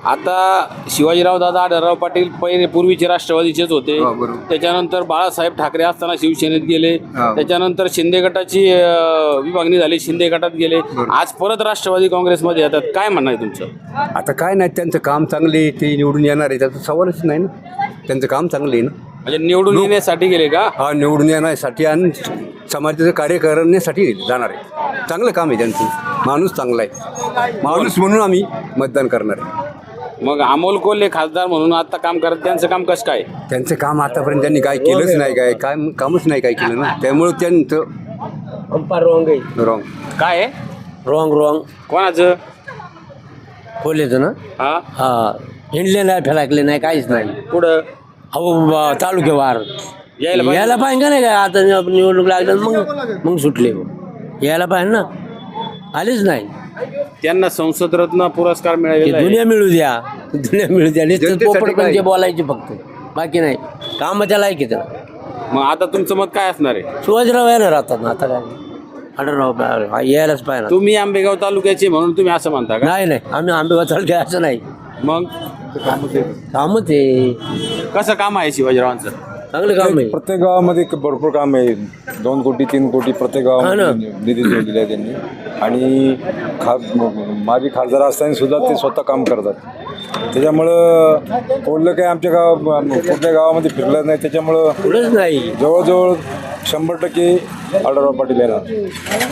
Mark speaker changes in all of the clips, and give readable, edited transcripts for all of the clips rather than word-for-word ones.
Speaker 1: आता शिवाजीराव दादा आढळराव पाटील पहिले पूर्वीचे राष्ट्रवादीचेच होते. त्याच्यानंतर बाळासाहेब ठाकरे असताना शिवसेनेत गेले. त्याच्यानंतर शिंदे गटाची विभागणी झाली, शिंदे गटात गेले. आज परत राष्ट्रवादी काँग्रेसमध्ये येतात. काय म्हणणं आहे तुमचं?
Speaker 2: आता काय नाही, त्यांचं काम चांगले, ते निवडून येणार आहे, त्याचा सवालच नाही ना. त्यांचं काम चांगलं आहे ना.
Speaker 1: म्हणजे निवडून येण्यासाठी गेले का?
Speaker 2: हा, निवडून येण्यासाठी आणि समाजाचं कार्य करण्यासाठी जाणार आहे. चांगलं काम आहे त्यांचं. माणूस चांगला आहे, माणूस म्हणून आम्ही मतदान करणार आहे.
Speaker 1: मग अमोल कोल्हे खासदार म्हणून आता काम करत, त्यांचं काम कसं काय?
Speaker 2: त्यांचं काम आतापर्यंत त्यांनी काय केलंच नाही, काय कामच नाही काय केलं ना. त्यामुळं त्यांचं रॉंग
Speaker 1: काय आहे?
Speaker 3: रॉंग
Speaker 1: कोणाचं?
Speaker 3: खोलेचं ना.
Speaker 1: हा,
Speaker 3: हिंडले नाही, फेलाकले नाही, काहीच नाही.
Speaker 1: पुढं
Speaker 3: अहो तालुक्यावार यायला पाहिजे का नाही काय? आता निवडणूक लागलं मग सुटले. यायला पाहिजे ना, आलेच नाही.
Speaker 1: त्यांना संसद रत्न पुरस्कार मिळालेला आहे.
Speaker 3: दुनिया मिळू द्या नुसतं पोपट म्हणजे बोलायचे फक्त, बाकी नाही. कामाच्या लायक आहे त्याला.
Speaker 1: मग आता तुमचं मत काय असणार आहे?
Speaker 3: शिवाजीराव येणार आता ना. आता काय आढळराव यायलाच पाहिजे.
Speaker 1: तुम्ही आंबेगाव तालुक्याचे म्हणून तुम्ही असं म्हणता का?
Speaker 3: नाही आम्ही आंबेगाव तालुक्या असं नाही.
Speaker 1: मग
Speaker 3: कामच आहे,
Speaker 1: कसं काम आहे शिवाजीरावांचं?
Speaker 3: चांगलं काम आहे.
Speaker 4: प्रत्येक गावामध्ये भरपूर काम आहे. 2 कोटी 3 कोटी प्रत्येक गावामध्ये निधी जोडलेला आहे त्यांनी. आणि माजी खासदार असताना सुद्धा ते स्वतः काम करतात. त्याच्यामुळं कोल्हे काही आमच्या कुठल्या गावामध्ये फिरलं नाही. त्याच्यामुळं
Speaker 3: पुढंच नाही.
Speaker 4: जवळजवळ 100% आढळराव पाटील येणार.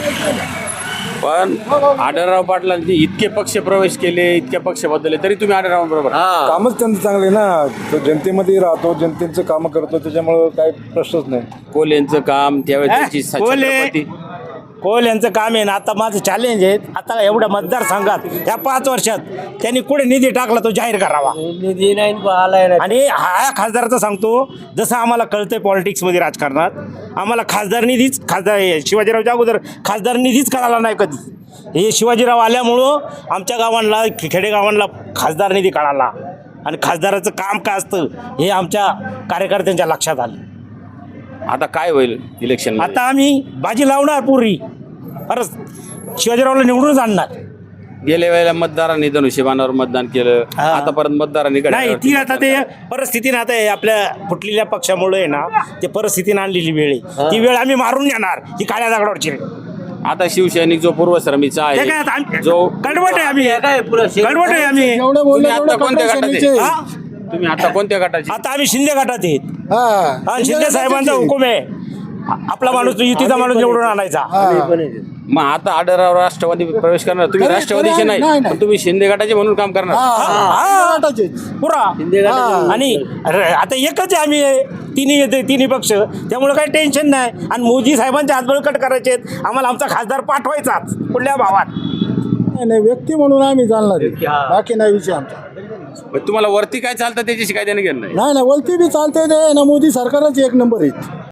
Speaker 1: पण आढळराव पाटलांनी इतके पक्ष प्रवेश केले, इतक्या पक्ष बदलले, तरी तुम्ही आढळराव बरोबर?
Speaker 4: कामच त्यांचं चांगलं आहे ना. तो जनतेमध्ये राहतो, जनतेचं कामं करतो, त्याच्यामुळं काही प्रश्नच नाही.
Speaker 1: कोल्हेंचं काम त्यावेळेस त्याची छत्रपती
Speaker 5: कोल यांचं काम आहे ना. आता माझं चॅलेंज आहे, आता एवढ्या मतदारसंघात ह्या 5 वर्षात त्यांनी कुठे निधी टाकला तो जाहीर करावा.
Speaker 3: निधी नाही आलाय नाही.
Speaker 5: आणि हा खासदाराचं सांगतो, जसं आम्हाला कळतंय पॉलिटिक्समध्ये, राजकारणात आम्हाला खासदार निधीच, शिवाजीरावच्या अगोदर खासदार निधीच कळाला नाही कधी. हे शिवाजीराव आल्यामुळं आमच्या गावांना, खेडेगावांना खासदार निधी कळाला. आणि खासदाराचं काम काय असतं हे आमच्या कार्यकर्त्यांच्या लक्षात आलं.
Speaker 1: आता काय होईल इलेक्शन?
Speaker 5: आता आम्ही बाजी लावणार पूर्वी, परत शिवाजीरावला निवडूनच आणणार.
Speaker 1: गेल्या वेळेला मतदारांनी धनुष्यबाणावर मतदान केलं, आता परत मतदारांनी
Speaker 5: नाही. ती आता ते परिस्थितीने, आता आपल्या फुटलेल्या पक्षामुळे आहे ना, ते परिस्थितीने आणलेली वेळ आहे. ती वेळ आम्ही मारून येणार. ही काळ्या दगडावरची.
Speaker 1: आता शिवसैनिक जो पूर्वश्रमीचा आहे, जो
Speaker 5: गडवट आहे आम्ही, गडवट आहे आम्ही.
Speaker 1: तुम्ही आता कोणत्या गटाचे? तुम्ही आता कोणत्या गटाचे?
Speaker 5: आता आम्ही शिंदे गटात आहेत. शिंदे साहेबांचा हुकूम आहे, आपला माणूस युतीचा माणूस निवडून आणायचा.
Speaker 1: मग आता आढळराव राष्ट्रवादी प्रवेश करणार. तुम्ही राष्ट्रवादीचे नाही, पण तुम्ही शिंदे गटाचे म्हणून काम करणार
Speaker 5: पुरा. आणि आता एकच आहे आम्ही, तिन्ही पक्ष. त्यामुळे काही टेन्शन नाही. आणि मोदी साहेबांचे हात बळकट करायचे, आम्हाला आमचा खासदार पाठवायचाच कुठल्या भावात.
Speaker 6: नाही, व्यक्ती म्हणून आम्ही जाणणार, बाकी नाही विषय आमचा.
Speaker 1: तुम्हाला वरती काय चालतं त्याच्याशी काय देणं घेणं नाही?
Speaker 6: नाही, वरती बी चालतंय ते ना. मोदी सरकारच 1 नंबर आहे.